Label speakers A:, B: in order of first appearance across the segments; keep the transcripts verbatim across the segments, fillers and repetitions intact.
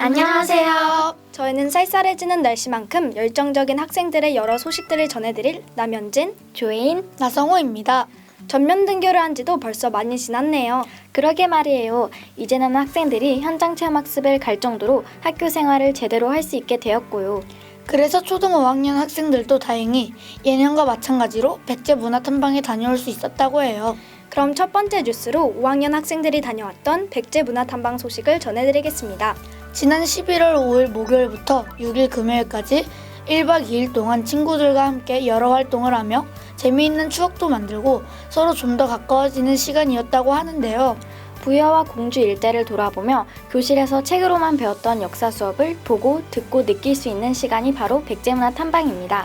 A: 안녕하세요.
B: 저희는 쌀쌀해지는 날씨만큼 열정적인 학생들의 여러 소식들을 전해드릴 남현진,
A: 조인,
C: 나성호입니다.
B: 전면 등교를 한 지도 벌써 많이 지났네요.
A: 그러게 말이에요. 이제는 학생들이 현장 체험 학습을 갈 정도로 학교 생활을 제대로 할 수 있게 되었고요.
C: 그래서 초등 오 학년 학생들도 다행히 예년과 마찬가지로 백제 문화탐방에 다녀올 수 있었다고 해요.
B: 그럼 첫 번째 뉴스로 오 학년 학생들이 다녀왔던 백제 문화탐방 소식을 전해드리겠습니다.
C: 지난 십일월 오일 목요일부터 육일 금요일까지 일박 이일 동안 친구들과 함께 여러 활동을 하며 재미있는 추억도 만들고 서로 좀 더 가까워지는 시간이었다고 하는데요.
A: 부여와 공주 일대를 돌아보며 교실에서 책으로만 배웠던 역사 수업을 보고 듣고 느낄 수 있는 시간이 바로 백제문화 탐방입니다.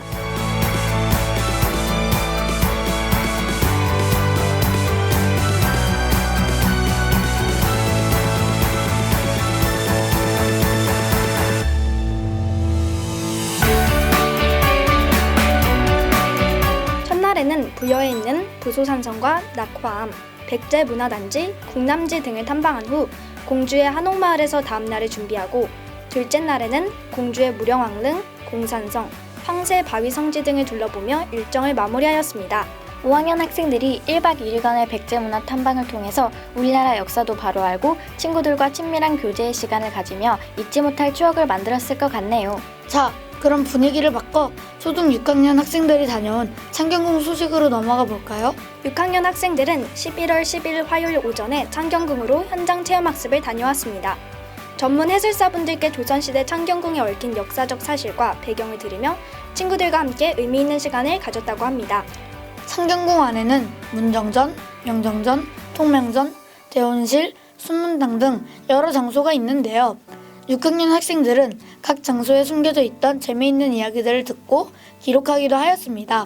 B: 첫날에는 부여에 있는 부소산성과 낙화암, 백제문화단지, 국남지 등을 탐방한 후 공주의 한옥마을에서 다음 날을 준비하고, 둘째 날에는 공주의 무령왕릉, 공산성, 황새바위성지 등을 둘러보며 일정을 마무리하였습니다.
A: 오 학년 학생들이 일박 이일간의 백제문화 탐방을 통해서 우리나라 역사도 바로 알고 친구들과 친밀한 교제의 시간을 가지며 잊지 못할 추억을 만들었을 것 같네요.
C: 자, 그럼 분위기를 바꿔 초등 육 학년 학생들이 다녀온 창경궁 소식으로 넘어가 볼까요?
B: 육 학년 학생들은 십일월 십일 화요일 오전에 창경궁으로 현장 체험학습을 다녀왔습니다. 전문 해설사분들께 조선시대 창경궁에 얽힌 역사적 사실과 배경을 들으며 친구들과 함께 의미 있는 시간을 가졌다고 합니다.
C: 창경궁 안에는 문정전, 영정전, 통명전, 대원실, 순문당 등 여러 장소가 있는데요. 육 학년 학생들은 각 장소에 숨겨져 있던 재미있는 이야기들을 듣고 기록하기도 하였습니다.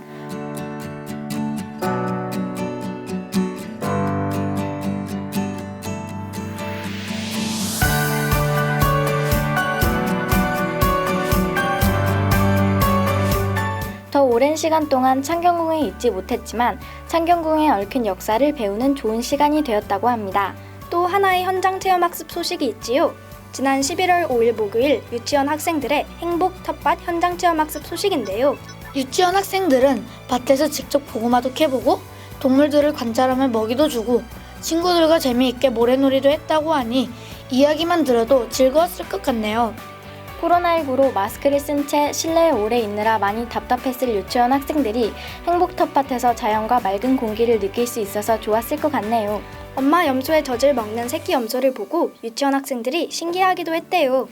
A: 더 오랜 시간 동안 창경궁에 있지 못했지만 창경궁에 얽힌 역사를 배우는 좋은 시간이 되었다고 합니다.
B: 또 하나의 현장 체험학습 소식이 있지요. 지난 십일월 오일 목요일 유치원 학생들의 행복 텃밭 현장 체험학습 소식인데요.
C: 유치원 학생들은 밭에서 직접 고구마도 캐보고 동물들을 관찰하며 먹이도 주고 친구들과 재미있게 모래놀이도 했다고 하니 이야기만 들어도 즐거웠을 것 같네요.
A: 코로나십구로 마스크를 쓴 채 실내에 오래 있느라 많이 답답했을 유치원 학생들이 행복 텃밭에서 자연과 맑은 공기를 느낄 수 있어서 좋았을 것 같네요.
B: 엄마 염소의 젖을 먹는 새끼 염소를 보고 유치원 학생들이 신기해하기도 했대요.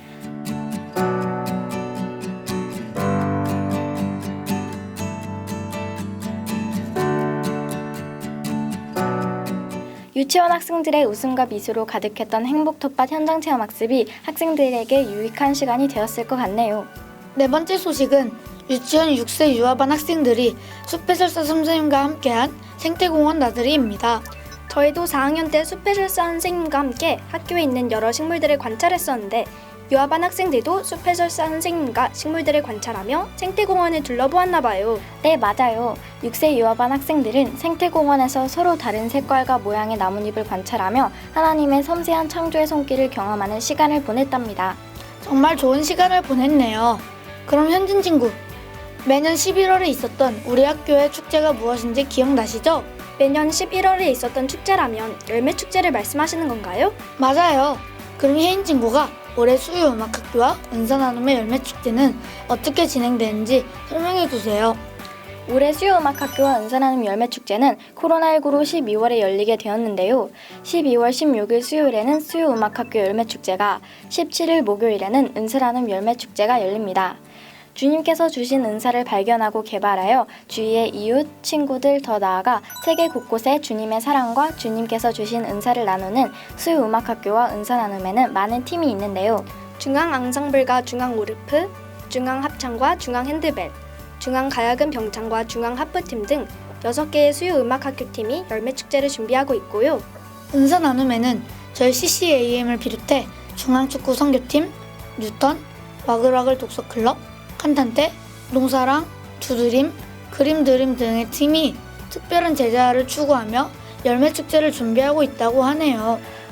A: 유치원 학생들의 웃음과 미소로 가득했던 행복 텃밭 현장 체험 학습이 학생들에게 유익한 시간이 되었을 것 같네요.
C: 네 번째 소식은 유치원 육 세 유아반 학생들이 숲해설사 선생님과 함께한 생태공원 나들이입니다.
B: 저희도 사 학년 때 숲해설사 선생님과 함께 학교에 있는 여러 식물들을 관찰했었는데 유아반 학생들도 숲해설사 선생님과 식물들을 관찰하며 생태공원을 둘러보았나 봐요.
A: 네, 맞아요. 육 세 유아반 학생들은 생태공원에서 서로 다른 색깔과 모양의 나뭇잎을 관찰하며 하나님의 섬세한 창조의 손길을 경험하는 시간을 보냈답니다.
C: 정말 좋은 시간을 보냈네요. 그럼 현진 친구, 매년 십일월에 있었던 우리 학교의 축제가 무엇인지 기억나시죠?
B: 매년 십일월에 있었던 축제라면 열매축제를 말씀하시는 건가요?
C: 맞아요. 그럼 혜인 친구가 올해 수유음악학교와 은사나눔의 열매축제는 어떻게 진행되는지 설명해주세요.
A: 올해 수요음악학교와 은사나눔 열매축제는 코로나십구로 십이월에 열리게 되었는데요. 십이월 십육일 수요일에는 수요음악학교 열매축제가, 십칠일 목요일에는 은사나눔 열매축제가 열립니다. 주님께서 주신 은사를 발견하고 개발하여 주위의 이웃, 친구들, 더 나아가 세계 곳곳에 주님의 사랑과 주님께서 주신 은사를 나누는 수요음악학교와 은사나눔에는 많은 팀이 있는데요.
B: 중앙 앙상블과 중앙 오르프, 중앙 합창과 중앙 핸드벨, 중앙 가야금 병창과 중앙 하프팀 등 여섯 개의 수요음악학교 팀이 열매축제를 준비하고 있고요.
C: 은사나눔에는 저희 씨씨에이엠을 비롯해 중앙축구 선교팀, 뉴턴, 와글와글 독서클럽, 칸탄테, 농사랑, 두드림, 그림드림 등의 팀이 특별한 제자를 추구하며 열매축제를 준비하고 있다고 하네요.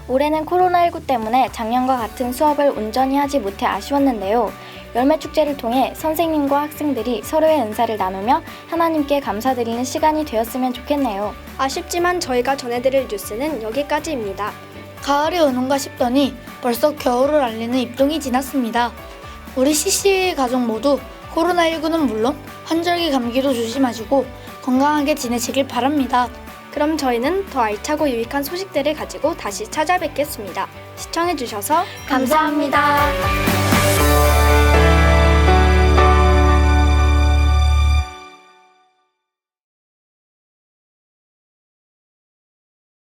A: 올해는 코로나십구 때문에 작년과 같은 수업을 온전히 하지 못해 아쉬웠는데요. 열매축제를 통해 선생님과 학생들이 서로의 은사를 나누며 하나님께 감사드리는 시간이 되었으면 좋겠네요.
B: 아쉽지만 저희가 전해드릴 뉴스는 여기까지입니다.
C: 가을이 오는가 싶더니 벌써 겨울을 알리는 입동이 지났습니다. 우리 씨씨의 가족 모두 코로나십구는 물론 환절기 감기도 조심하시고 건강하게 지내시길 바랍니다.
B: 그럼 저희는 더 알차고 유익한 소식들을 가지고 다시 찾아뵙겠습니다. 시청해주셔서
A: 감사합니다.